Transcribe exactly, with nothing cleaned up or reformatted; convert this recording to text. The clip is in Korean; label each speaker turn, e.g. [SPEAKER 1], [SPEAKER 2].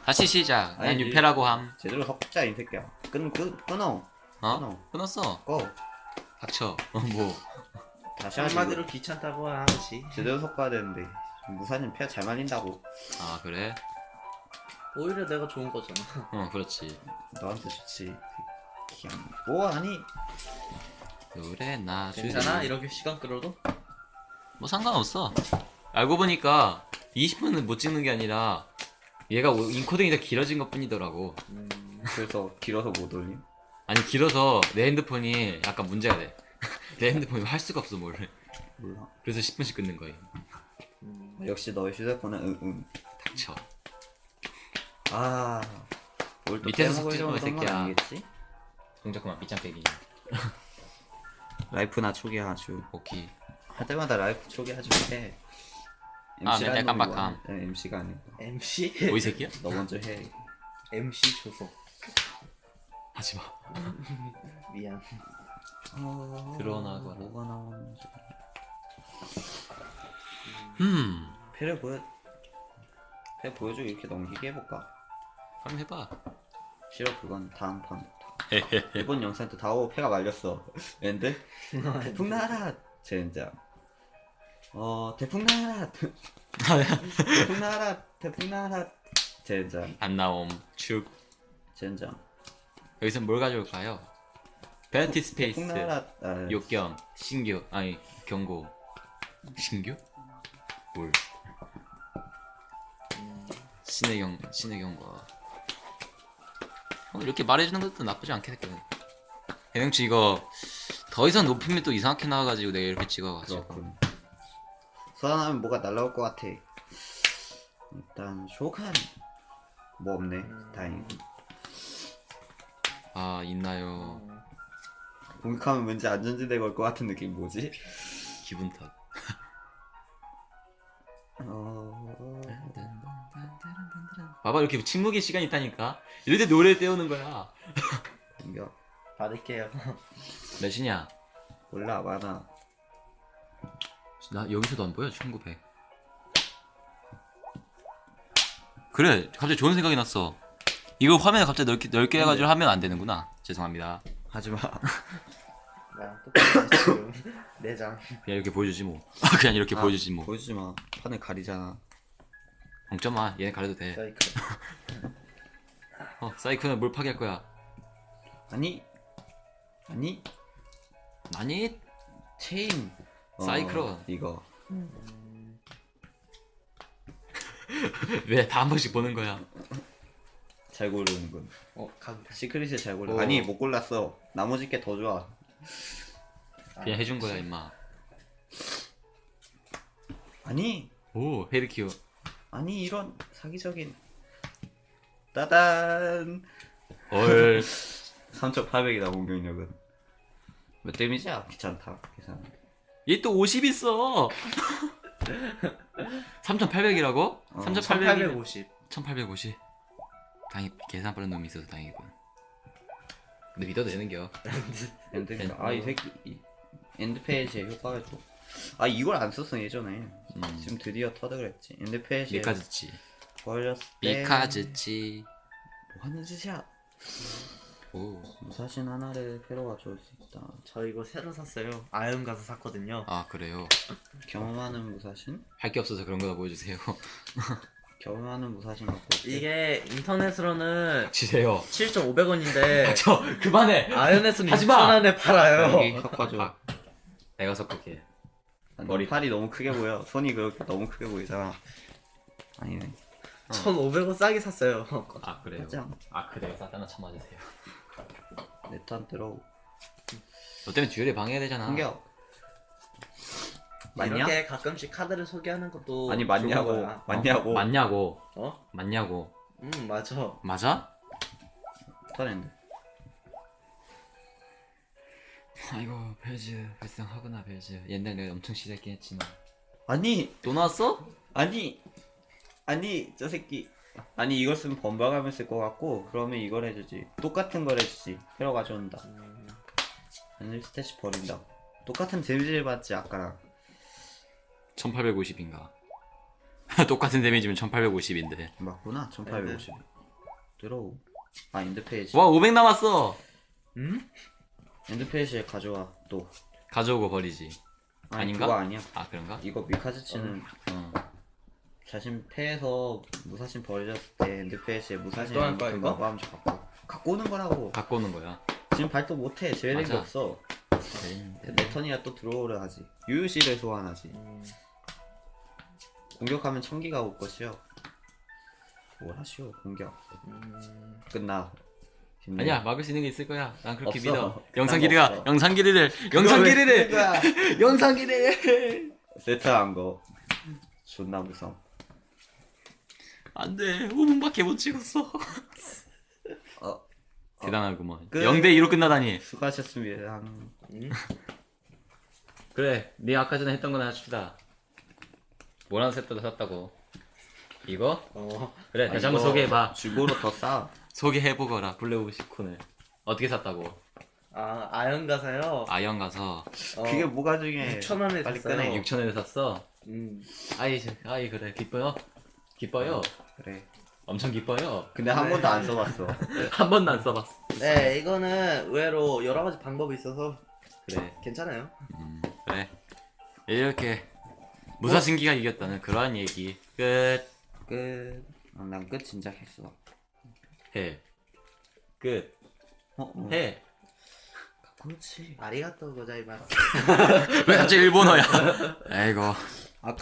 [SPEAKER 1] 다시 시작. 난
[SPEAKER 2] 아니,
[SPEAKER 1] 유패라고 함.
[SPEAKER 2] 제대로 섞자 이 새끼야. 끊, 끊, 끊어.
[SPEAKER 1] 어?
[SPEAKER 2] 끊어.
[SPEAKER 1] 끊었어.
[SPEAKER 2] 꺼.
[SPEAKER 1] 닥쳐. 어, 뭐.
[SPEAKER 2] 다시 하지.
[SPEAKER 3] 한마디로 귀찮다고 하지.
[SPEAKER 2] 제대로 섞어야 되는데. 무사님 폐 잘 말린다고.
[SPEAKER 1] 아 그래?
[SPEAKER 3] 오히려 내가 좋은 거잖아.
[SPEAKER 1] 어 그렇지.
[SPEAKER 2] 너한테 좋지. 그냥 뭐 아니.
[SPEAKER 1] 그래 나
[SPEAKER 3] 괜찮아? 이렇게 시간 끌어도?
[SPEAKER 1] 뭐 상관없어. 알고 보니까 이십 분은 못 찍는 게 아니라 얘가 인코딩이 더 길어진 것 뿐이더라고.
[SPEAKER 3] 음...
[SPEAKER 2] 그래서 길어서 못 올림.
[SPEAKER 1] 아니 길어서 내 핸드폰이 약간 문제가 돼. 내 핸드폰이 할 수가 없어 뭘.
[SPEAKER 2] 몰라.
[SPEAKER 1] 그래서 십 분씩 끊는 거야.
[SPEAKER 3] 음...
[SPEAKER 2] 역시 너의 휴대폰은 응응.
[SPEAKER 1] 닥쳐.
[SPEAKER 2] 아. 뭘또
[SPEAKER 1] 밑에서
[SPEAKER 2] 빼먹을
[SPEAKER 1] 섞지 마, 이
[SPEAKER 2] 정도는 건
[SPEAKER 1] 새끼야.
[SPEAKER 2] 아니겠지?
[SPEAKER 1] 동작 그만 삐짱 빼기.
[SPEAKER 2] 라이프나 초기화주.
[SPEAKER 1] 오케이.
[SPEAKER 2] 할 때마다 라이프 초기화주 해.
[SPEAKER 1] 아, 맨날 깜빡함.
[SPEAKER 2] 엠씨가 아니고.
[SPEAKER 3] 엠씨?
[SPEAKER 1] 뭐 이 새끼야?
[SPEAKER 2] 너 먼저 해.
[SPEAKER 3] 엠씨 조속.
[SPEAKER 1] 하지마.
[SPEAKER 3] 미안.
[SPEAKER 2] 어...
[SPEAKER 1] 드러나거라.
[SPEAKER 2] 뭐가 나오는지.
[SPEAKER 1] 음.
[SPEAKER 2] 패를 보여. 패 보여주고 이렇게 넘기게 해볼까?
[SPEAKER 1] 그럼 해봐.
[SPEAKER 2] 싫어 그건 다음 판부터. 이번 영상 때 다오 패가 말렸어. 랜드? 태풍 나라 젠장. 어 태풍 나라. 태풍 나라 태풍 나라 젠장.
[SPEAKER 1] 안 나옴. 축.
[SPEAKER 2] 젠장.
[SPEAKER 1] 여기서 뭘 가져올까요? 베티 스페이스.
[SPEAKER 2] 태풍 나라. 아,
[SPEAKER 1] 욕경. 신규. 아니 경고. 신규? 뭘? 신의 경 신의 경고. 어, 이렇게 말해주는 것도 나쁘지 않겠거든. 해명치 이거 더 이상 높이면 또 이상하게 나와가지고 내가 이렇게 찍어가지고.
[SPEAKER 2] 그렇군. 소환하면 뭐가 날라올 것 같아. 일단 쇼칸 뭐 없네.
[SPEAKER 3] 음...
[SPEAKER 2] 다행이고.
[SPEAKER 1] 아 있나요?
[SPEAKER 3] 음...
[SPEAKER 2] 공격하면 왠지 안전지대 걸 것 같은 느낌 뭐지?
[SPEAKER 1] 기분 탓.
[SPEAKER 2] 어...
[SPEAKER 1] 봐봐 이렇게 침묵의 시간이 있다니까. 이럴 때 노래 떼우는 거야.
[SPEAKER 2] 공격.
[SPEAKER 3] 받을게요.
[SPEAKER 1] 몇이냐?
[SPEAKER 2] 몰라 많아.
[SPEAKER 1] 나 여기서도 안 보여. 천구백. 그래 갑자기 좋은 생각이 났어. 이거 화면에 갑자기 넓게, 넓게 해가지고 하면 안 되는구나. 죄송합니다.
[SPEAKER 2] 하지마.
[SPEAKER 3] 나랑 똑같이 지금 내장.
[SPEAKER 1] 그냥 이렇게 보여주지 뭐. 그냥 이렇게
[SPEAKER 2] 아,
[SPEAKER 1] 보여주지 뭐.
[SPEAKER 2] 보여주지마. 판을 가리잖아.
[SPEAKER 1] 걱정마. 얘네 가려도 돼.
[SPEAKER 3] 사이클.
[SPEAKER 1] 어 사이코는 뭘 파괴할 거야.
[SPEAKER 2] 아니 아니
[SPEAKER 1] 아니
[SPEAKER 2] 체인.
[SPEAKER 1] 사이클론.
[SPEAKER 2] 어, 이거
[SPEAKER 3] 음...
[SPEAKER 1] 왜 다 한 번씩 보는 거야.
[SPEAKER 2] 잘 고르는군.
[SPEAKER 3] 어, 각.
[SPEAKER 2] 시크릿을 잘 골라.
[SPEAKER 1] 어.
[SPEAKER 2] 아니 못 골랐어. 나머지 게 더 좋아.
[SPEAKER 1] 그냥 해준 거야 임마.
[SPEAKER 2] 아니
[SPEAKER 1] 오 헤드키어.
[SPEAKER 2] 아니 이런 사기적인. 따단.
[SPEAKER 1] 얼.
[SPEAKER 2] 삼천팔백이다 공격력은. 몇 데미지야? 귀찮다 계산.
[SPEAKER 1] 얘 또 오십 있어. 삼천팔백이라고?
[SPEAKER 2] 어,
[SPEAKER 1] 삼천팔백.
[SPEAKER 3] 천팔백오십.
[SPEAKER 1] 천팔백오십. 다행히 계산 빠른 놈이 있어서 다행이군. 근데 믿어도 되는겨.
[SPEAKER 2] 엔드. 아이 새끼 이, 엔드 페이지에 효과가 줘. 아 이걸 안 썼어 예전에.
[SPEAKER 1] 음.
[SPEAKER 2] 지금 드디어 터득했지. 엔드 페이지에
[SPEAKER 1] 미카즈치.
[SPEAKER 2] 걸렸을 때.
[SPEAKER 1] 미카즈치.
[SPEAKER 2] 뭐 하는 짓이야?
[SPEAKER 1] 오.
[SPEAKER 2] 무사신 하나를 패로 가져올 수 있다.
[SPEAKER 3] 저 이거 새로 샀어요. 아연 가서 샀거든요.
[SPEAKER 1] 아 그래요.
[SPEAKER 2] 경험하는 무사신?
[SPEAKER 1] 할 게 없어서 그런 거다 보여주세요.
[SPEAKER 2] 경험하는 무사신 갖고 올게.
[SPEAKER 3] 이게 인터넷으로는
[SPEAKER 1] 지세요.
[SPEAKER 3] 칠천오백 원인데
[SPEAKER 1] 저 그만해.
[SPEAKER 3] 아연에서는
[SPEAKER 1] 하지 마!
[SPEAKER 3] 육천 원에 팔아요.
[SPEAKER 2] 여기 섞어줘.
[SPEAKER 1] 내가 섞을게.
[SPEAKER 2] 아, 너
[SPEAKER 1] 머리.
[SPEAKER 2] 팔이 너무 크게 보여. 손이 그렇게 너무 크게 보이잖아. 아니네.
[SPEAKER 3] 천오백 원 싸게 샀어요.
[SPEAKER 1] 아 그래요.
[SPEAKER 2] 맞아.
[SPEAKER 1] 아 그래요. 사단아 참아주세요.
[SPEAKER 2] 내턴 들어.
[SPEAKER 1] 너 때문에 듀얼에 방해해야 되잖아.
[SPEAKER 2] 공격. 맞냐?
[SPEAKER 3] 이렇게 가끔씩 카드를 소개하는 것도
[SPEAKER 2] 아니
[SPEAKER 3] 좋은
[SPEAKER 2] 맞냐고.
[SPEAKER 3] 거야.
[SPEAKER 2] 맞냐고.
[SPEAKER 1] 맞냐고.
[SPEAKER 3] 어?
[SPEAKER 1] 맞냐고.
[SPEAKER 3] 음 맞아.
[SPEAKER 1] 맞아?
[SPEAKER 2] 턴엔드.
[SPEAKER 1] 아이고 벨즈 발생하구나 벨즈. 옛날에 내가 엄청 시작했긴 했지만.
[SPEAKER 2] 아니
[SPEAKER 1] 또 나왔어?
[SPEAKER 2] 아니 아니 저 새끼. 아니 이걸 쓰면 번박하면 쓸 것 같고 그러면 이걸 해주지. 똑같은 걸 해주지. 패로 가져온다.
[SPEAKER 3] 음,
[SPEAKER 2] 아니 스탯이 버린다. 똑같은 데미지를 받지 아까랑.
[SPEAKER 1] 천팔백오십인가. 똑같은 데미지면 천팔백오십인데.
[SPEAKER 2] 맞구나. 천팔백오십. 들어오. 아 엔드페이지.
[SPEAKER 1] 와 오백 남았어.
[SPEAKER 3] 음?
[SPEAKER 2] 엔드페이지에 가져와 또.
[SPEAKER 1] 가져오고 버리지.
[SPEAKER 2] 아니,
[SPEAKER 1] 아닌가?
[SPEAKER 2] 그거 아니야.
[SPEAKER 1] 아 그런가?
[SPEAKER 2] 이거 미카즈치는
[SPEAKER 1] 어.
[SPEAKER 2] 자신 패해서 무사신 버려졌을 때 엔드페이지에 무사신
[SPEAKER 3] 또 할 거야, 이거?
[SPEAKER 2] 마음 갖고 갖고 오는 거라고.
[SPEAKER 1] 갖고 오는 거야.
[SPEAKER 2] 지금 발도 못해. 제외된 게
[SPEAKER 1] 맞아.
[SPEAKER 2] 없어.
[SPEAKER 1] 네.
[SPEAKER 2] 내 턴이야 또 들어오려 하지. 유유씨를 소환하지.
[SPEAKER 3] 음.
[SPEAKER 2] 공격하면 천기가 올 것이요. 뭘 하시오 공격.
[SPEAKER 3] 음.
[SPEAKER 2] 끝나. 힘내.
[SPEAKER 1] 아니야 막을 수 있는 게 있을 거야. 난 그렇게
[SPEAKER 2] 없어.
[SPEAKER 1] 믿어.
[SPEAKER 2] 그딴
[SPEAKER 1] 영상
[SPEAKER 2] 거
[SPEAKER 1] 길이가
[SPEAKER 2] 없어.
[SPEAKER 1] 영상 길이를
[SPEAKER 2] 그거
[SPEAKER 1] 영상
[SPEAKER 2] 왜
[SPEAKER 1] 길이를
[SPEAKER 2] 쓰는 거야?
[SPEAKER 1] 영상 길이를
[SPEAKER 2] 세트한 거 존나 무서워.
[SPEAKER 1] 안돼 오 분밖에 못 찍었어.
[SPEAKER 2] 어,
[SPEAKER 1] 대단하구먼.
[SPEAKER 2] 끝.
[SPEAKER 1] 영 대 이로 끝나다니.
[SPEAKER 2] 수고하셨습니다.
[SPEAKER 3] 음?
[SPEAKER 1] 그래 네 아까 전에 했던 거나 합시다. 모란 세트도 샀다고. 이거?
[SPEAKER 3] 어.
[SPEAKER 1] 그래
[SPEAKER 2] 아,
[SPEAKER 1] 다시 한번
[SPEAKER 2] 이거
[SPEAKER 1] 소개해봐.
[SPEAKER 2] 중고로 더 싸.
[SPEAKER 1] 소개해보거라 블랙오브시콘을. 어떻게 샀다고?
[SPEAKER 3] 아 아연 가사요.
[SPEAKER 1] 아영 가서
[SPEAKER 3] 어.
[SPEAKER 2] 그게 뭐가 중요해?
[SPEAKER 3] 육천 원에
[SPEAKER 2] 빨리
[SPEAKER 3] 샀어요.
[SPEAKER 2] 꺼내.
[SPEAKER 1] 육천 원에 샀어.
[SPEAKER 3] 음.
[SPEAKER 1] 아이 저- 아이 그래 기뻐요? 기뻐요?
[SPEAKER 2] 그래.
[SPEAKER 1] 엄청 기뻐요.
[SPEAKER 2] 근데 한
[SPEAKER 3] 네.
[SPEAKER 2] 번도 안 써봤어.
[SPEAKER 1] 한 번도 안 써봤어.
[SPEAKER 3] 네 이거는 의외로 여러 가지 방법이 있어서
[SPEAKER 1] 그래
[SPEAKER 3] 괜찮아요.
[SPEAKER 1] 음, 그래 이렇게 무사신기가 이겼다는 그러한 얘기 끝.
[SPEAKER 3] 끝.
[SPEAKER 2] 아, 난 끝 진작 했어.
[SPEAKER 1] 해. 끝.
[SPEAKER 2] 어, 어.
[SPEAKER 1] 해.
[SPEAKER 2] 그렇지.
[SPEAKER 3] 아리가또 고자이마스.
[SPEAKER 1] 왜 갑자기 일본어야? 아이고.